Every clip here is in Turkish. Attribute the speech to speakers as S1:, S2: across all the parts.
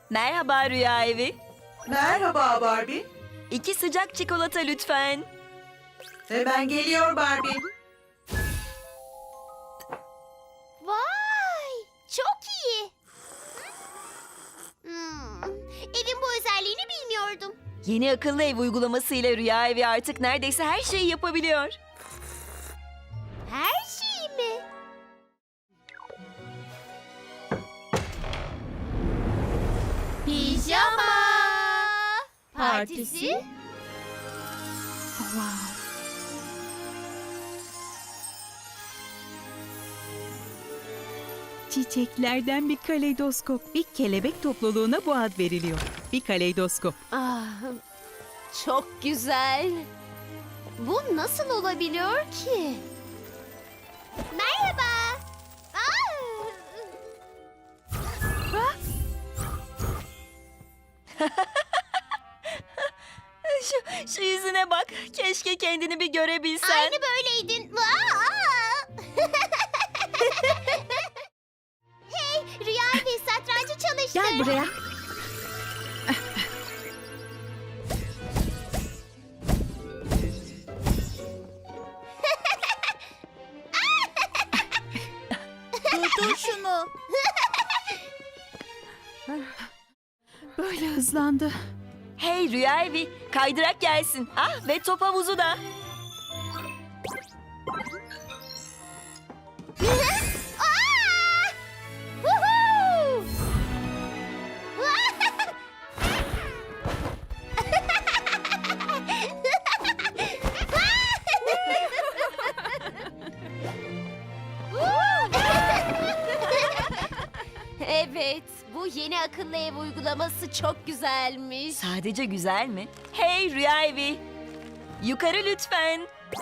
S1: Merhaba Rüya Evi.
S2: Merhaba Barbie.
S1: 2 sıcak çikolata lütfen.
S2: Hemen geliyor Barbie.
S3: Vay! Çok iyi. Evin bu özelliğini bilmiyordum.
S1: Yeni akıllı ev uygulaması ile Rüya Evi artık neredeyse her şeyi yapabiliyor.
S3: Her şeyi mi? Pijama partisi.
S4: Çiçeklerden bir kaleidoskop. Bir kelebek topluluğuna bu ad veriliyor. Bir kaleidoskop.
S3: Ah, çok güzel. Bu nasıl olabiliyor ki? Merhaba.
S1: Şu yüzüne bak. Keşke kendini bir görebilsen.
S3: Aynı böyleydin. Hey, Rüya Evi satrancı çalıştır.
S4: Gel buraya.
S3: Dur şunu.
S4: Böyle hızlandı.
S1: Hey Rüya Evi, kaydırak gelsin. Ah, ve top havuzu da.
S3: Evet, bu yeni akıllı ev uygulaması çok güzelmiş.
S1: Sadece güzel mi? Hey Rüya Evi, yukarı lütfen.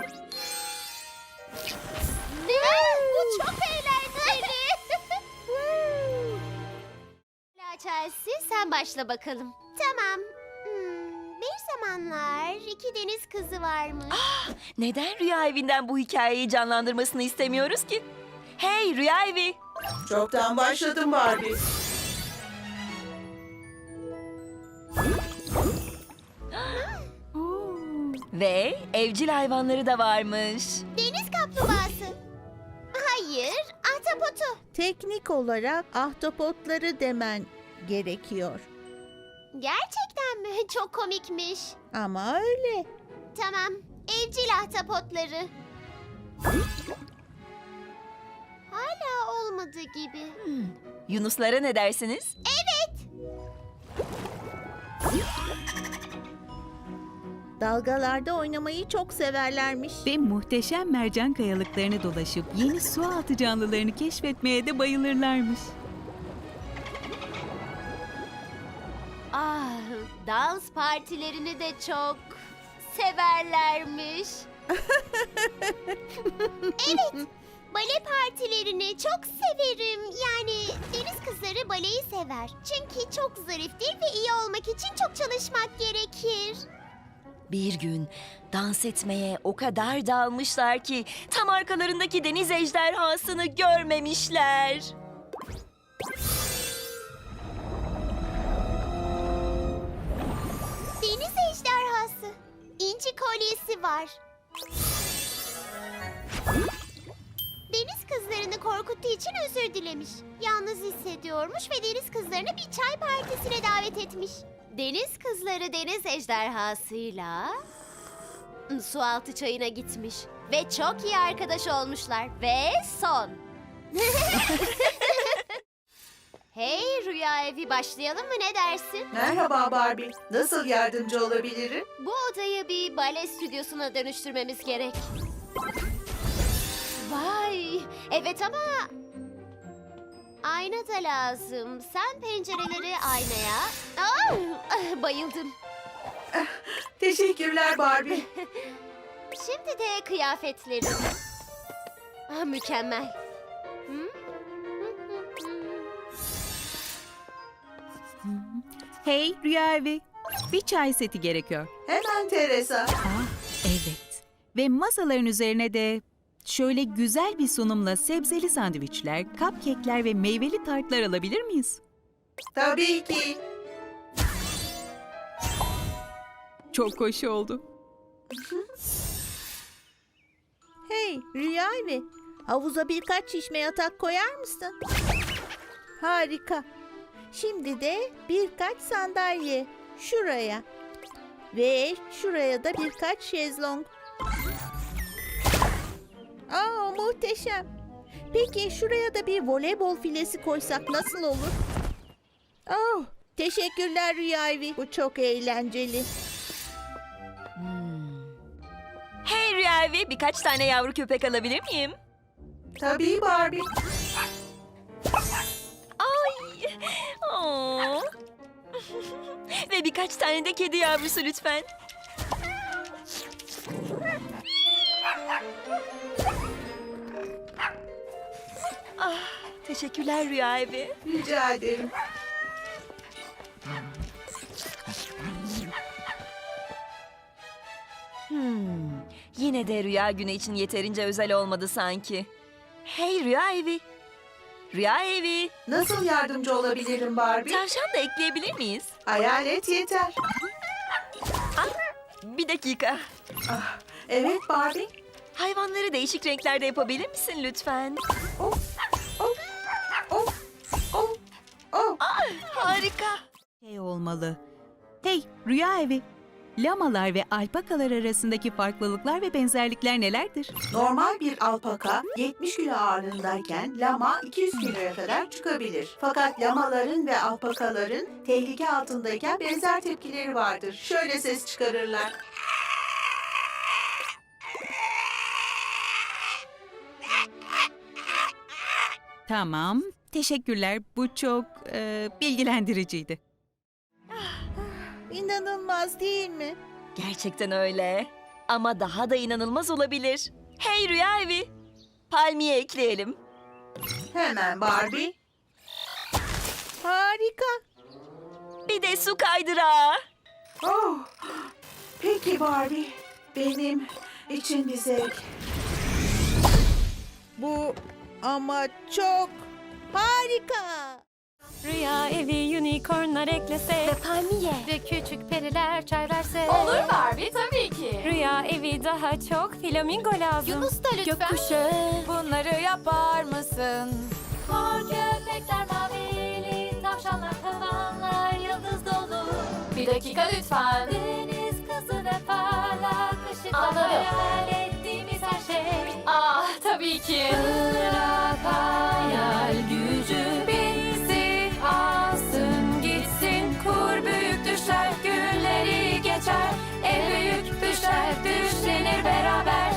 S3: Bu çok eğlenceli. Chelsea, sen başla bakalım. Tamam. Bir zamanlar 2 deniz kızı varmış.
S1: Neden Rüya Evi'nden bu hikayeyi canlandırmasını istemiyoruz ki? Hey Rüya Evi.
S2: Çoktan başladım Barbie.
S1: Ve evcil hayvanları da varmış.
S3: Deniz kaplumbağası. Hayır, ahtapotu.
S5: Teknik olarak ahtapotları demen gerekiyor.
S3: Gerçekten mi? Çok komikmiş.
S5: Ama öyle.
S3: Tamam, evcil ahtapotları. Hala olmadı gibi.
S1: Yunuslara ne dersiniz?
S5: Dalgalarda oynamayı çok severlermiş.
S4: Ve muhteşem mercan kayalıklarını dolaşıp yeni su altı canlılarını keşfetmeye de bayılırlarmış.
S3: Ah, dans partilerini de çok severlermiş. Evet, bale partilerini çok severim. Yani deniz kızları baleyi sever. Çünkü çok zariftir ve iyi olmak için çok çalışmak gerekir.
S1: Bir gün dans etmeye o kadar dalmışlar ki tam arkalarındaki deniz ejderhasını görmemişler.
S3: Deniz ejderhası. İnci kolyesi var. Deniz kızlarını korkuttuğu için özür dilemiş. Yalnız hissediyormuş ve deniz kızlarını bir çay partisine davet etmiş. Deniz kızları deniz ejderhasıyla su altı çayına gitmiş. Ve çok iyi arkadaş olmuşlar. Ve son. Hey Rüya Evi, başlayalım mı, ne dersin?
S2: Merhaba Barbie. Nasıl yardımcı olabilirim?
S3: Bu odayı bir bale stüdyosuna dönüştürmemiz gerek. Vay! Evet ama ayna da lazım. Sen pencereleri aynaya... Bayıldım.
S2: Teşekkürler Barbie.
S3: Şimdi de kıyafetlerim. Mükemmel.
S4: Hey Rüya Evi, bir çay seti gerekiyor.
S2: Hemen Teresa.
S4: Evet. Ve masaların üzerine de şöyle güzel bir sunumla sebzeli sandviçler, cupcake'ler ve meyveli tartlar alabilir miyiz?
S2: Tabii ki.
S4: Çok hoş oldu.
S5: Hey Rüya Evi, havuza birkaç şişme yatak koyar mısın? Harika. Şimdi de birkaç sandalye şuraya. Ve şuraya da birkaç şezlong. Aa, muhteşem. Peki şuraya da bir voleybol filesi koysak nasıl olur? Oh, teşekkürler Rüya Evi. Bu çok eğlenceli.
S1: Hey Rüya Evi, birkaç tane yavru köpek alabilir miyim?
S2: Tabii Barbie.
S1: Ay! Oo. Ve birkaç tane de kedi yavrusu lütfen. Ah, teşekkürler Rüya Evi.
S2: Rica ederim.
S1: Yine de Rüya Günü için yeterince özel olmadı sanki. Hey Rüya Evi. Rüya Evi.
S2: Nasıl yardımcı olabilirim Barbie?
S1: Tavşan da ekleyebilir miyiz?
S2: Hayalet yeter.
S1: Bir dakika.
S2: Evet Barbie.
S1: Hayvanları değişik renklerde yapabilir misin lütfen?
S2: Oh, oh, oh, oh, oh.
S1: Harika.
S4: Şey olmalı. Hey Rüya Evi. Lamalar ve alpakalar arasındaki farklılıklar ve benzerlikler nelerdir?
S2: Normal bir alpaka 70 kilo ağırlığındayken lama 200 kiloya kadar çıkabilir. Fakat lamaların ve alpakaların tehlike altındayken benzer tepkileri vardır. Şöyle ses çıkarırlar.
S4: Tamam, teşekkürler. Bu çok bilgilendiriciydi.
S5: İnanılmaz değil mi?
S1: Gerçekten öyle. Ama daha da inanılmaz olabilir. Hey Rüya Evi. Palmiye ekleyelim.
S2: Hemen Barbie.
S5: Harika.
S1: Bir de su kaydırağı.
S2: Oh, peki Barbie. Benim için bir zevk.
S5: Bu ama çok harika.
S6: Rüya evi unicornlar eklese
S3: Palmiye.
S6: ve küçük periler çay verse.
S7: Olur Barbie tabii ki.
S6: Rüya evi daha çok flamingo lazım.
S3: Yunus da lütfen.
S6: Gökkuşağı.
S7: Bunları yapar mısın?
S6: Mor köpekler mavili, tavşanlar tavanlar yıldız dolu.
S7: Bir dakika lütfen.
S6: Deniz kızı ve parlak ışıklar
S7: Anladım.
S6: hayal ettiğimiz her şey.
S7: Ah tabii ki.
S6: Bırak hayal gücü bizi alsın gitsin. Kur büyük düşler günleri geçer. En büyük düşler düşlenir beraber.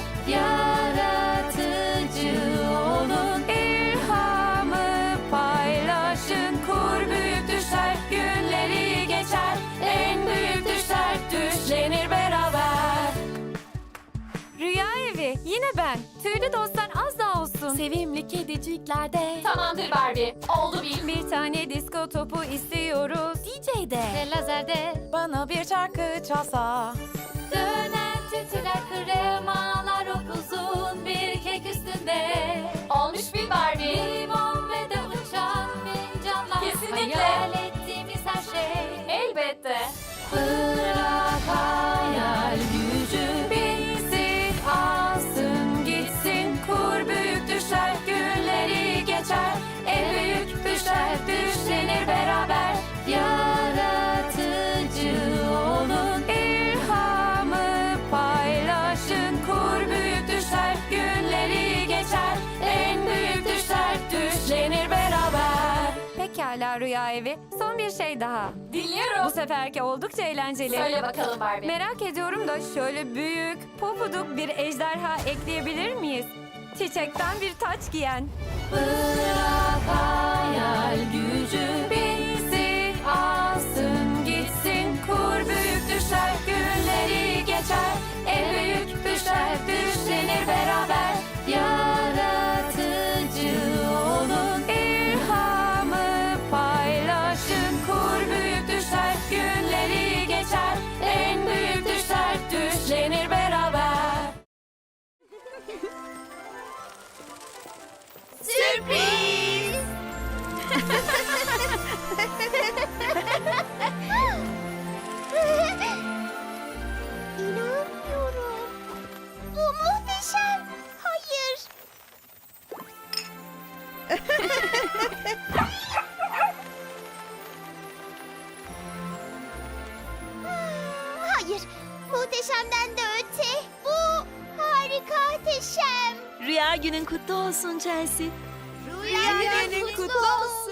S6: Yaratıcı olun ilhamı paylaşın. Kur büyük düşler günleri geçer. En büyük düşler düşlenir beraber. Rüya evi yine ben. Tüylü dostlar az daha olsun. Sevimli kediciklerde.
S7: Tamamdır Barbie. Oldu bil.
S6: Bir tane disko topu istiyoruz. DJ'de. Ve lazerde.
S7: Bana bir şarkı çalsa.
S6: Dönen tütüler kremalar upuzun bir kek üstünde.
S7: Olmuş bil Barbie.
S6: Limon ve de uçan fincanlar.
S7: Kesinlikle.
S6: Hayal ettiğimiz her şey.
S7: Elbette.
S6: Bırak hayal gücü bizi alsın gitsin. Kur büyük düşler günleri geçer. En büyük düşler düşlenir beraber. Yaratıcı olun ilhamı paylaşın. Kur büyük düşler günleri geçer. En büyük düşler düşlenir beraber. Pekala Rüya Evi. Son bir şey daha. Bu
S7: Dinliyorum.
S6: seferki oldukça eğlenceli.
S7: Söyle bakalım Barbie.
S6: Merak ediyorum da şöyle büyük, pofuduk bir ejderha ekleyebilir miyiz? Çiçekten bir taç giyen. Bırak hayal gücü bizi alsın gitsin. Kur büyük düşler günleri geçer. En büyük düşler düşlenir beraber. Yaratıcı olun ilhamı paylaşın. Kur büyük düşler günleri geçer. En büyük düşler düşlenir beraber.
S3: Sürpriz. Hayır, muhteşemden de öte. Bu harika Teşem.
S1: Rüya günün kutlu olsun Chelsea.
S3: Rüya günün kutlu olsun.